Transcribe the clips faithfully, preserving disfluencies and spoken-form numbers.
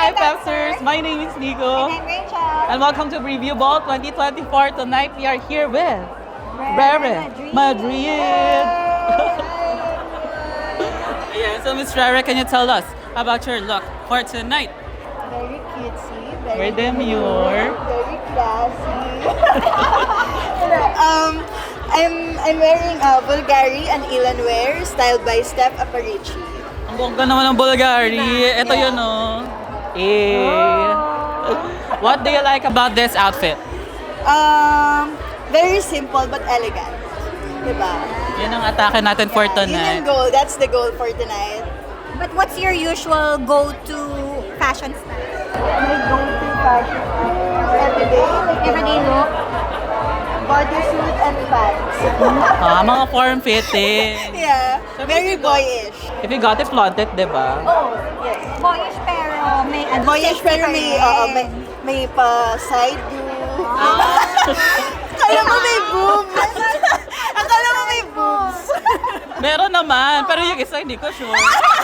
Hi, Pepsters! My name is Nico. And I'm Rachel. And welcome to Review Ball twenty twenty-four. Tonight we are here with Rere Madrid. Madrid. Yeah, so Miss Rere, can you tell us about your look for tonight? Very cutesy, very Very demure. very classy. um, I'm I'm wearing uh, Bulgari and Elanwear, styled by Steph Aparici. Ang bongga naman ng Bulgari. Ito Yeah. yun, oh. Eh. What do you like about this outfit? Um, very simple but elegant. Diba? Yun ang atake natin for Yun tonight. yung goal. That's the goal for tonight. But what's your usual go-to fashion style? My go-to fashion everyday, like Everyday look? bodysuit and pants. Ah, mga form-fitting. Yeah, very boyish. If you got it flaunted, di ba? Oh, yes. Boyish pero may ano, Boyish sexy pero pa may, rin. oo, may, may pa side boob. Ah. Akala mo may boobs. Akala mo may boobs. Meron naman, pero yung isa hindi ko sure.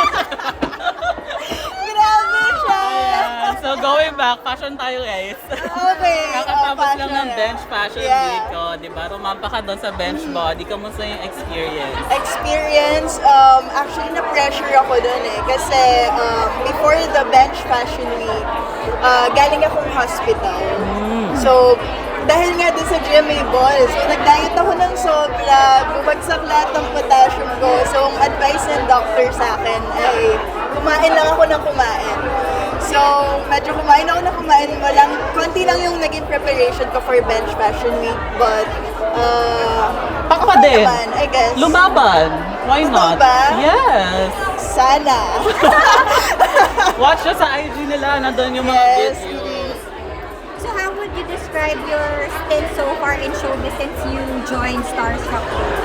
Grabe siya. Ayan. So going back, fashion tayo guys. Okay. Kakatapos oh, lang ng fashion. bench fashion Yeah. week ko, di ba? Rumampa ka doon sa bench body. Kamusta yung experience? Experience, um, actually na-pressure ako dun eh. Kasi um, before the bench fashion week, uh, galing akong hospital. So, dahil nga dun sa gym may balls, so nag-diet ako ng sobra, bumagsak lahat ng potassium ko. So, ang advice ng doctor sa akin ay kumain lang ako ng kumain. So, medyo kumain ako ng kumain. Walang, konti lang yung naging preparation ko for bench fashion week. But, uh, Pak pa din. naman, I guess. Lumaban. Why Totoo not? ba? Yes. Sana. Watch nyo sa I G nila, nandun yung mga Yes. videos. So how would you describe your stint so far in showbiz since you joined Starstruck?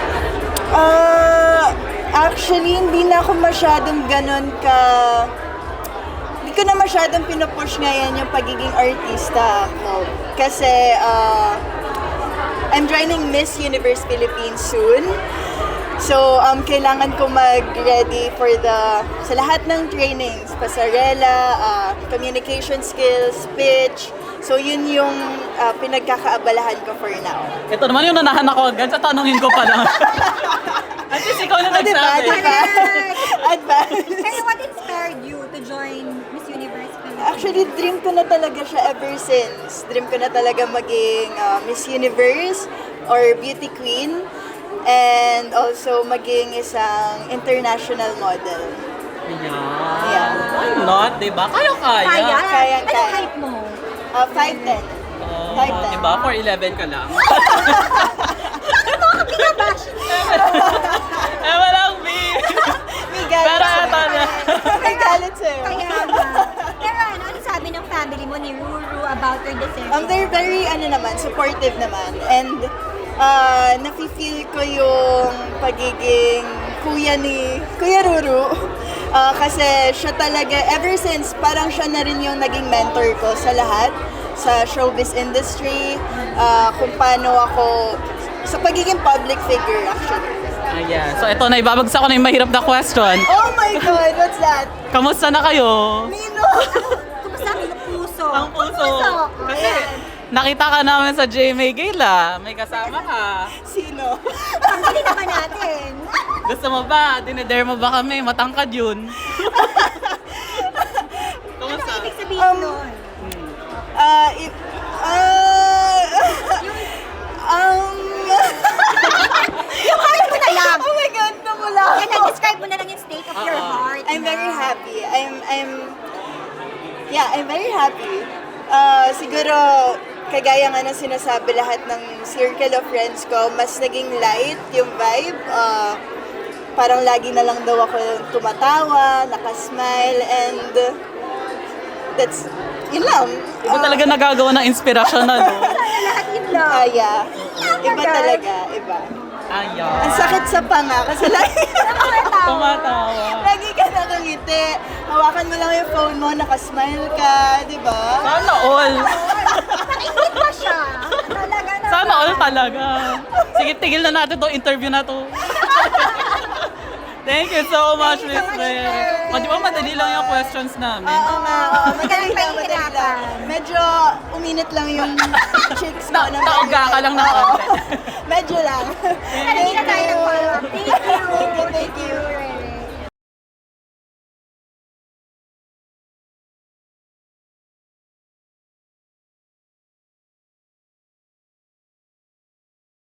Uh, actually, hindi na ako masyadong ganun ka... Hindi ko na masyadong pinupush ngayon yung pagiging artista ako. Kasi, uh, I'm joining Miss Universe Philippines soon. So, um, kailangan ko mag-ready for the... Sa lahat ng trainings, pasarela, uh, communication skills, pitch. So, yun yung uh, pinagkakaabalahan ko for now. Ito naman yung nanahan ako agad sa tanongin ko pa lang. At least ikaw na Oh, diba? nagsabi. Diba? Advance. Pero what inspired you to join Miss Universe Philippines? Actually, dream ko na talaga siya ever since. Dream ko na talaga maging uh, Miss Universe or Beauty Queen. And also maging isang international model. Yeah. Yeah. Why not, diba? Kaya-kaya. Kaya? Kaya, Anong kaya. height mo? Uh, five ten. Oh, Five ten. diba? four eleven ka lang. Eh, walang B. May galit Pero sa'yo. ito na. May galit sa'yo. Kaya nga. Pero ano, ano sabi ng family mo ni Ruru about your decision? Um, they're very, ano naman, supportive naman. And, uh, nafe-feel ko yung pagiging kuya ni Kuya Ruru. Uh, kasi siya talaga, ever since, parang siya na rin yung naging mentor ko sa lahat, sa showbiz industry, uh, kung paano ako, sa pagiging public figure, actually. Ayan. So ito na, ibabagsak ko na yung mahirap na question. Oh my God, what's that? Kamusta na kayo? Nino! Kumusta ang puso? Ang puso. Kasi Ayan. nakita ka namin sa J M A Gala. May kasama ka. Sino? Tanggalin naman natin. Gusto mo ba? Dinedare mo ba kami? Matangkad yun. Ano Kamusta? ibig sabihin Um, nun? Uh, if, uh, um, Yung heart mo na lang. oh my God, namula Yan, ako. describe mo na lang yung state of your Oo. heart. I'm very na. happy. I'm, I'm, yeah, I'm very happy. Uh, siguro, kagaya nga ng sinasabi lahat ng circle of friends ko, mas naging light yung vibe. Uh, parang lagi na lang daw ako tumatawa, nakasmile, and that's, yun lang. Iba talaga nagagawa ng inspirasyon na, no? Lahat yun lang. Ah, yeah. Iba talaga, iba. Ayan. Ang sakit sa panga kasi lagi, Tumatawa. lagi ka nakangiti. Hawakan mo lang yung phone mo, nakasmile ka, di ba? Sana all. Nakingit pa siya. Talaga na. Sana all talaga. Sige, tigil na natin to interview na to. Thank you so much, Miss Mary. O, di ba madali lang yung questions namin? Oo nga, oo. Madali Kaya lang, madali lang. pahihirapan. Medyo uminit lang yung chicks ko. Na- naoga ka lang ng Oo. konti. Medyo lang. Pero hindi na tayo nag-follow up. Thank you. Thank you, thank